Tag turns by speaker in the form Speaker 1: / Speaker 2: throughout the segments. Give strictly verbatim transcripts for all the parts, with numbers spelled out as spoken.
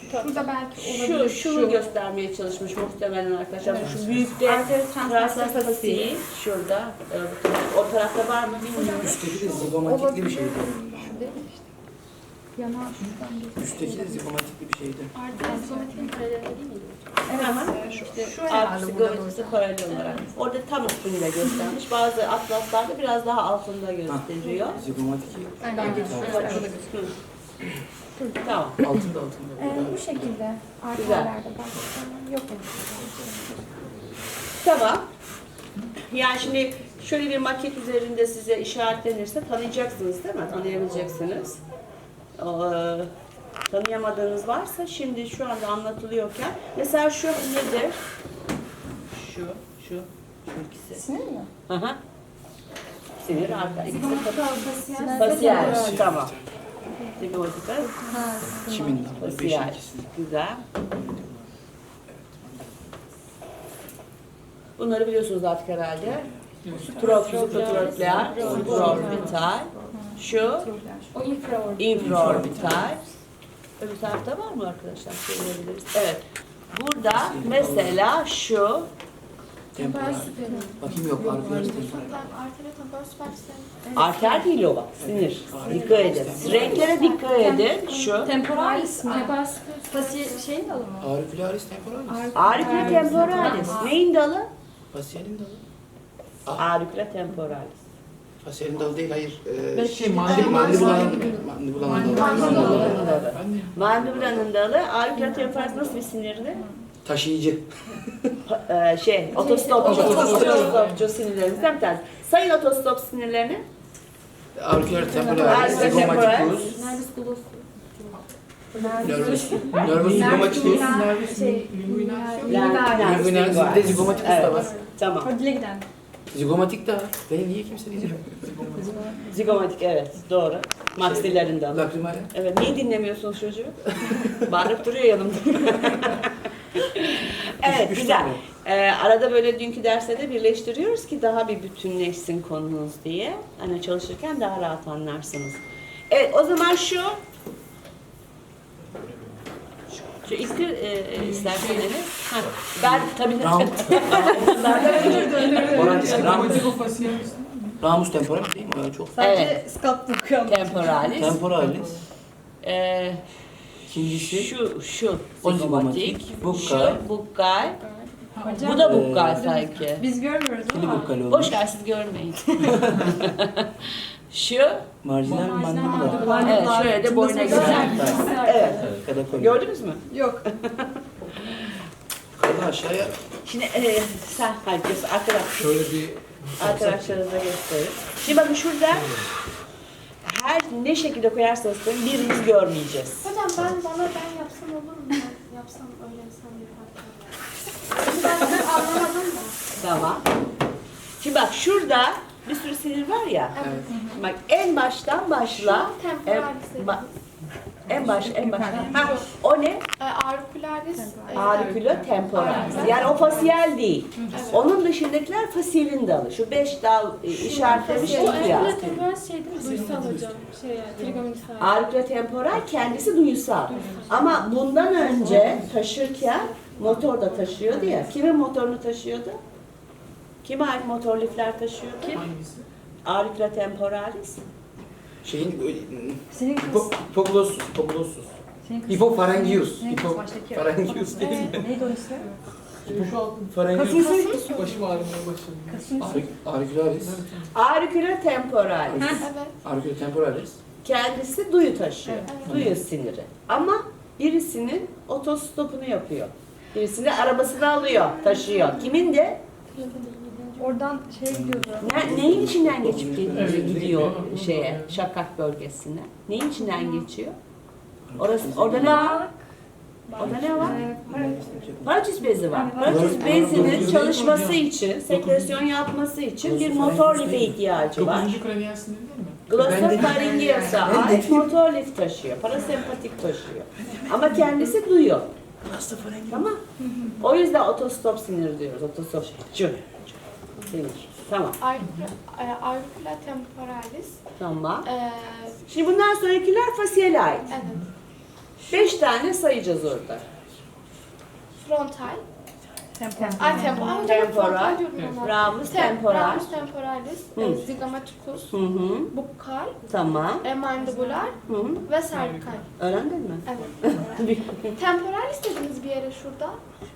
Speaker 1: Şurada belki
Speaker 2: Şu,
Speaker 1: olabilir.
Speaker 2: şunu göstermeye çalışmış muhtemelen arkadaşlar.
Speaker 1: Evet.
Speaker 2: Şu büyükte
Speaker 1: Arteryal
Speaker 2: transverse fasiği şurada. e, O tarafta var mı bilmiyorum.
Speaker 3: Üstteki de zigomatikli bir şeydi.
Speaker 1: Şu değil mi işte? Yanağı şuradan geçiyor.
Speaker 3: Üstteki de zigomatikli bir şeydi.
Speaker 1: Arteryal somatik'in paraleli değil miydi?
Speaker 2: Evet. Ama
Speaker 1: İşte
Speaker 2: şu
Speaker 1: herhalde
Speaker 2: arkası
Speaker 1: buradan
Speaker 2: görüntüsü paralel olarak. Orada tam üstünde göstermiş. Bazı atlaslarda biraz daha altında gösteriyor.
Speaker 3: Zigomatik.
Speaker 1: Aynen.
Speaker 3: Evet.
Speaker 2: Hı. Tamam.
Speaker 3: Altında altında.
Speaker 1: Ee, bu şekilde arterlerde başka yok mu?
Speaker 2: Tamam. Yani şimdi şöyle bir maket üzerinde size işaretlenirse tanıyacaksınız değil mi? Tanıyabileceksiniz. Ee, tanıyamadığınız varsa şimdi şu anda anlatılıyorken mesela şu nedir? Şu, şu, şu ikisi.
Speaker 1: Sinir mi?
Speaker 2: Hı hı. Sinir arka. İkisi
Speaker 1: Fasiyel.
Speaker 2: fasiyel. Tamam. Zigomatika,
Speaker 3: Kimin? Beş
Speaker 2: fasiyel.
Speaker 3: ikisi.
Speaker 2: Güzel. Bunları biliyorsunuz artık herhalde. Profizikotrokleer, supraorbital. Şu
Speaker 1: O infraorbital.
Speaker 2: infraorbital. Öbür tarafta var mı arkadaşlar? Söyleyebiliriz. Evet. Burada mesela şu
Speaker 3: Temporal. Bakayım yok. Arkular temporal.
Speaker 1: Arteriyel temporal süpersistem.
Speaker 2: arter değil o bak. Sinir. Dikkat edin. Renklere dikkat edin. Şu.
Speaker 1: Temporalis mi? Fasiyel şeyin dalı mı?
Speaker 3: Auricularis temporalis.
Speaker 2: Auricula temporalis. Neyin dalı?
Speaker 3: Fasyalin dalı.
Speaker 2: Auricula temporalis.
Speaker 3: Fasyalin dalı değil, hayır. Ee,
Speaker 4: Belki
Speaker 3: şey,
Speaker 4: mandibulanın-
Speaker 3: mandibulanın mandibulanın dalı.
Speaker 2: Mandibulanın dalı. Mandibulanın dalı. Auricula temporalis nasıl bir sinirdi?
Speaker 3: Taşıyıcı.
Speaker 2: Ee, şey, otostopçu, otostopçu sinirlerimizden bir tanesi. Sayın otostop sinirlerini.
Speaker 3: Auricular temporalis,
Speaker 2: Auricula temporalis.
Speaker 3: zigomaticus,
Speaker 1: Nervus gloss.
Speaker 3: nervus, nervus zigomaticus,
Speaker 1: Şey,
Speaker 2: Linguinal.
Speaker 3: Linguinal, bir de zigomaticus da var.
Speaker 2: Tamam.
Speaker 1: o dile giden.
Speaker 3: Zigomatik de var. Beni niye kimse diyecek?
Speaker 2: Zigomatik, evet, doğru. Maksilerin dalı.
Speaker 3: Lakrimal.
Speaker 2: Evet, niye dinlemiyorsunuz çocuğu? Bağırıp duruyor yanımda. Evet,
Speaker 3: Üç
Speaker 2: güzel.
Speaker 3: tane.
Speaker 2: Ee, arada böyle dünkü derste de birleştiriyoruz ki daha bir bütünleşsin konunuz diye. Hani çalışırken daha rahat anlarsınız. Evet, o zaman şu şu ittir e, isterseniz. Ha, ben tabii
Speaker 3: Ram- Moralis, Ram-
Speaker 4: Ramus.
Speaker 3: Ramus temporalis değil mi? Öyle çok.
Speaker 2: Evet.
Speaker 1: skalp okuyorum.
Speaker 2: temporalis.
Speaker 3: Temporalis.
Speaker 2: Ee,
Speaker 3: İkincisi
Speaker 2: şu şu
Speaker 3: O
Speaker 2: zigomatik,
Speaker 3: zigomatik,
Speaker 2: şu
Speaker 3: bukkal.
Speaker 2: bukkal.
Speaker 1: Hocam,
Speaker 2: Bu da bukkal
Speaker 3: Ee,
Speaker 2: sanki.
Speaker 1: biz görmüyoruz ama.
Speaker 3: kili bukkal
Speaker 2: Boş
Speaker 3: olmuş.
Speaker 2: ver siz görmeyin. şu
Speaker 3: Marjinal mandibula.
Speaker 2: evet şöyle de boyuna gider. Evet.
Speaker 3: Kadakoli.
Speaker 2: Gördünüz mü?
Speaker 1: Yok.
Speaker 3: Kadı aşağıya.
Speaker 2: Şimdi e, sen hayır göster arkadaş
Speaker 4: Şöyle bir
Speaker 2: arkadaşlarınıza gösterin. Şimdi bakın şurada her ne şekilde koyarsanız koyun birimiz görmeyeceğiz.
Speaker 5: Hocam ben bana ben yapsam olur mu? Ben yapsam öyle yapsam yaparım. Ben anlamadım da.
Speaker 2: Tamam. Şimdi bak şurada bir sürü sinir var ya.
Speaker 5: Evet.
Speaker 2: Bak en baştan başla. En,
Speaker 5: Temporalis
Speaker 2: ba- en baş en baştan. Ha, o ne?
Speaker 5: e, auricularis. e,
Speaker 2: Auricula temporalis. Yani o fasiyel değil. Onun dışındakiler fasiyelin dalı. Şu beş dal e, işaretlemiştik
Speaker 5: O
Speaker 2: ya.
Speaker 5: auricula temporalis şey değil mi? Duysal hocam. Şey, trigonometri.
Speaker 2: Auricula temporal kendisi duysal. Ama bundan önce taşırken motor da taşıyordu ya. Kimin motorunu taşıyordu? Kime ait motor lifler taşıyordu?
Speaker 4: hangisi?
Speaker 2: Auricula temporalis.
Speaker 3: Şeyin böyle...
Speaker 1: Senin kız.
Speaker 3: Hipo, hipoglossus, hipoglossus.
Speaker 1: Senin kız.
Speaker 3: Hipofarangius.
Speaker 1: Senin kız
Speaker 3: Hipo,
Speaker 1: baştaki.
Speaker 3: farangius değil mi?
Speaker 1: Neydi o ismi?
Speaker 4: Şu altın.
Speaker 3: Farangius.
Speaker 4: Başım ağrımaya başladı.
Speaker 1: Kasım.
Speaker 3: Auricularis.
Speaker 2: Auricula temporalis.
Speaker 5: Evet.
Speaker 3: Auricula temporalis.
Speaker 2: Kendisi duyu taşıyor.
Speaker 5: Evet.
Speaker 2: Duyu siniri. Ama birisinin otostopunu yapıyor. Birisinin arabasını alıyor, taşıyor. Kimin de?
Speaker 1: Oradan şey gidiyordu.
Speaker 2: Ne, neyin içinden geçip gidiyor, gidiyor şeye, şakak bölgesine? Neyin içinden geçiyor? Orası, orada ne var? Orada ne var? Paratüs bezi var. Paratüs bezinin çalışması için, sekresyon yapması için bir motor life ihtiyacı var.
Speaker 4: Dokuzuncu kraniyel sinir değil mi?
Speaker 2: Glossopharyngeus'a ait motor lif taşıyor, parasempatik taşıyor. Ama kendisi duyuyor. Tamam. O yüzden otostop sinir diyoruz, otostopçu sinir. Tamam.
Speaker 5: Auricula, e, auricula temporalis.
Speaker 2: Tamam.
Speaker 5: E,
Speaker 2: Şimdi bundan sonrakiler fasiyele ait.
Speaker 5: evet.
Speaker 2: Beş tane sayacağız orada.
Speaker 5: Frontal.
Speaker 1: Temporal.
Speaker 5: Ay temporal. Ay,
Speaker 2: Temporal.
Speaker 5: frontal diyorum ama.
Speaker 2: Ramus
Speaker 5: Tem-
Speaker 2: temporal.
Speaker 5: Ramus temporalis.
Speaker 2: Hı.
Speaker 5: e, Zygamaticus.
Speaker 2: Hı hı.
Speaker 5: Bukkal.
Speaker 2: Tamam.
Speaker 5: E, mandibular.
Speaker 2: Hı hı.
Speaker 5: Ve servikal.
Speaker 2: Öğrendin mi?
Speaker 5: Evet. Temporalis dediniz bir yere şurada.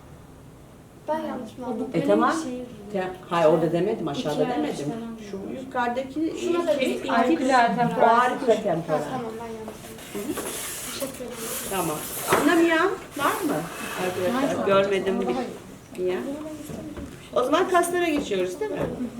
Speaker 5: Ben yanlış mı anladım?
Speaker 2: E tamam. Te- Hayır orada demedim, aşağıda
Speaker 1: İki ay
Speaker 2: demedim.
Speaker 1: işte.
Speaker 2: Şu yukarıdaki
Speaker 5: Şuna da
Speaker 2: şey,
Speaker 5: biz
Speaker 2: ilk
Speaker 1: aurikular
Speaker 2: o
Speaker 1: temporal.
Speaker 2: aurikular
Speaker 5: Ha,
Speaker 2: temporal.
Speaker 5: tamam ben yanlış anladım. Teşekkür ederim.
Speaker 2: Tamam. Anlamayan var mı? Arkadaşlar görmedim diye.
Speaker 5: Bunu ben istemedim.
Speaker 2: O zaman kaslara geçiyoruz değil mi?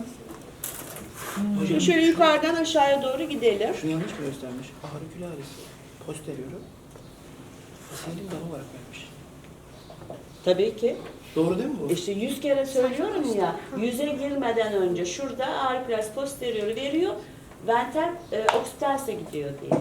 Speaker 2: Şimdi şöyle yukarıdan aşağıya doğru gidelim.
Speaker 3: Şunu yanlış mı göstermiş? Auricularis posterior'u fasyalin dalı olarak vermiş.
Speaker 2: Tabii ki.
Speaker 3: Doğru değil mi bu?
Speaker 2: İşte yüz kere söylüyorum ya, yüze girmeden önce şurada auricularis posterior'u veriyor, venter e, occipitals'e gidiyor diye.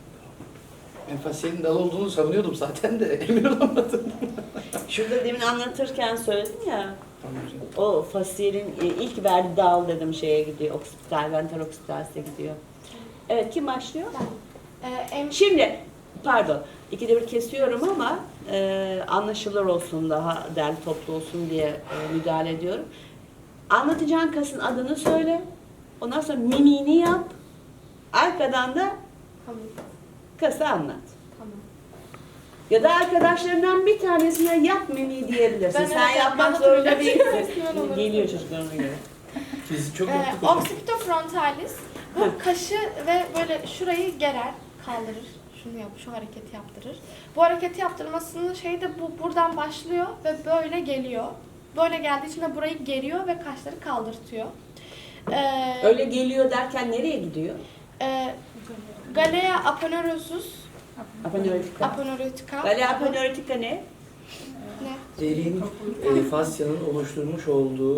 Speaker 3: Ben fasyalin dalı olduğunu savunuyordum zaten de emin olamadım.
Speaker 2: Şurada demin anlatırken söyledim ya,
Speaker 3: Tamam hocam.
Speaker 2: o fasyalin e, ilk verdiği dal dedim şeye gidiyor, occipital, venter occipitals'e gidiyor. Evet, kim başlıyor?
Speaker 5: Ee, em-
Speaker 2: Şimdi, pardon, ikide bir kesiyorum ama e, anlaşılır olsun, daha derli toplu olsun diye e, müdahale ediyorum. Anlatacağın kasın adını söyle, ondan sonra mimiğini yap, arkadan da
Speaker 5: Tamam.
Speaker 2: kası anlat.
Speaker 5: Tamam.
Speaker 2: Ya da arkadaşlarından bir tanesine yap mimiği diyebilirsin.
Speaker 5: Ben
Speaker 2: Sen
Speaker 5: evet,
Speaker 2: yapmak
Speaker 5: ben
Speaker 2: zorunda
Speaker 5: hatırlıyorum.
Speaker 2: değilsin.
Speaker 5: Ben olurum.
Speaker 2: Geliyor çocuklarına göre.
Speaker 3: Biz çok
Speaker 5: Ee,
Speaker 3: yaptık hocam.
Speaker 5: occipitofrontalis bu kaşı ve böyle şurayı gerer, kaldırır. Şunu yap, şu hareketi yaptırır. Bu hareketi yaptırmasının şeyi de bu buradan başlıyor ve böyle geliyor. Böyle geldiği için de burayı geriyor ve kaşları kaldırtıyor. Ee,
Speaker 2: Öyle geliyor derken nereye gidiyor?
Speaker 5: e, Galea aponeurosus,
Speaker 2: Aponeurotika.
Speaker 5: aponeurotica.
Speaker 2: Galea aponeurotika ne?
Speaker 5: Ne?
Speaker 3: Deriğin e, fasyanın oluşturmuş olduğu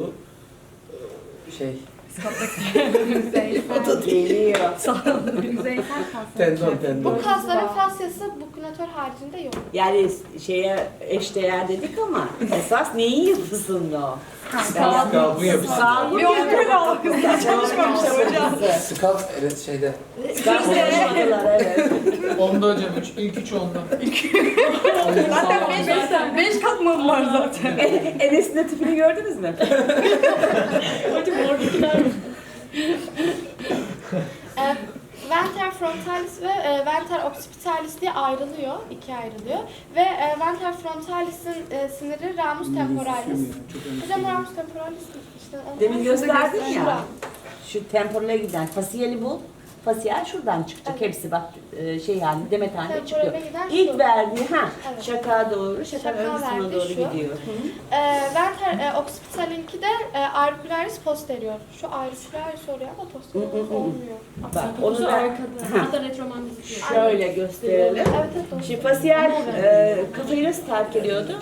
Speaker 3: e, şey,
Speaker 2: Geliyor.
Speaker 1: Yüzeysel kas.
Speaker 3: tendon
Speaker 5: Bu
Speaker 3: tendon.
Speaker 5: kasların fasyası bukünatör haricinde yok.
Speaker 2: Yani şeye eşdeğer dedik ama esas neyin yapısında o?
Speaker 3: Skalpın yapısı.
Speaker 2: Sağlık
Speaker 1: Bir onu böyle algısına
Speaker 2: çalışmamışlar hocam.
Speaker 3: Skalp evet şeyde.
Speaker 2: Çalışmadılar evet.
Speaker 4: Onda hocam, üç, ilk üç onda.
Speaker 1: Zaten beş, beş katmanı var zaten.
Speaker 2: Enes'in de tipini gördünüz mü? Hocam oradakiler.
Speaker 5: E, venter frontalis ve e, venter occipitalis diye ayrılıyor, ikiye ayrılıyor. Ve e, venter frontalis'in e, siniri ramus temporalis. Hocam ramus temporalis işte onu
Speaker 2: Demin gösterdin ya.
Speaker 5: Şura.
Speaker 2: Şu temporale giden fasiyeli bul. Fasiyel şuradan çıkacak.
Speaker 5: Evet.
Speaker 2: Hepsi bak e, şey halinde, demet halinde çıkıyor.
Speaker 5: Temporale giden
Speaker 2: İlk
Speaker 5: şu.
Speaker 2: verdiği ha
Speaker 5: Evet.
Speaker 2: şaka doğru, şaka
Speaker 5: Şaka
Speaker 2: ön kısmına
Speaker 5: verdi
Speaker 2: doğru
Speaker 5: şu.
Speaker 2: gidiyor.
Speaker 5: E, venter e, occipitalinki de e, auricularis posterior. Şu auricularis oluyor ama posterior
Speaker 2: Hı hı hı.
Speaker 5: olmuyor.
Speaker 2: Bak onu da
Speaker 6: Hatta retromandis diyor.
Speaker 2: şöyle gösterelim.
Speaker 5: Evet evet doğru.
Speaker 2: Şimdi fasiyel e, kafayı nasıl terk ediyordu?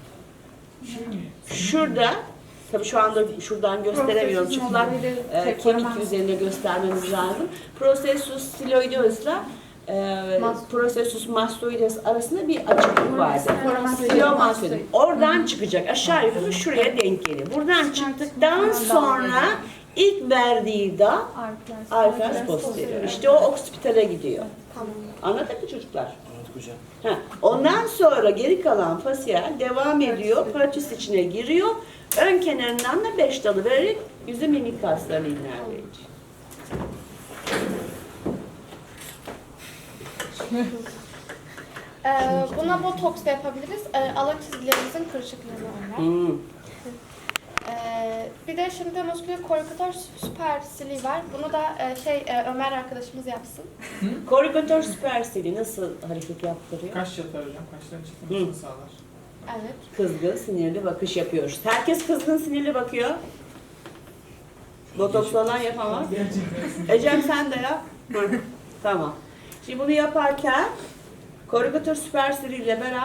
Speaker 2: Şurada, tabii şu anda şuradan gösteremiyorum. Çıplak e, kemik üzerinde göstermemiz lazım. Processus styloideus'la e, Processus mastoideus arasında bir açıklık vardı. Stylomastoideus. Oradan çıkacak. Aşağı yukarı şuraya denk geliyor. Buradan çıktıktan sonra ilk verdiği da arkas posterior. İşte o occipitale gidiyor.
Speaker 5: Tamam.
Speaker 2: Anladın mı çocuklar?
Speaker 3: Anladık hocam.
Speaker 2: Ha, ondan sonra geri kalan fasiyel devam ediyor, paratüs içine giriyor. Ön kenarından da beş dalı vererek yüzü mimik kaslarını ilerleyecek.
Speaker 5: E, buna botoks da yapabiliriz. E, alak çizgilerimizin kırışıklığını önler.
Speaker 2: Hmm.
Speaker 5: Ee, bir de şimdi musküler korrikator süpersili var. Bunu da e, şey e, Ömer arkadaşımız yapsın.
Speaker 2: Korrikator süpersili nasıl hareket yaptırıyor?
Speaker 4: Kaş yatar hocam, kaşların çıkmasını sağlar.
Speaker 5: Evet.
Speaker 2: Kızgın, sinirli bakış yapıyoruz. Herkes kızgın, sinirli bakıyor. Botoks olan yapamaz.
Speaker 4: Gerçekten.
Speaker 2: Ecem sen de yap. Hı, tamam. Şimdi bunu yaparken korrikator süpersili ile beraber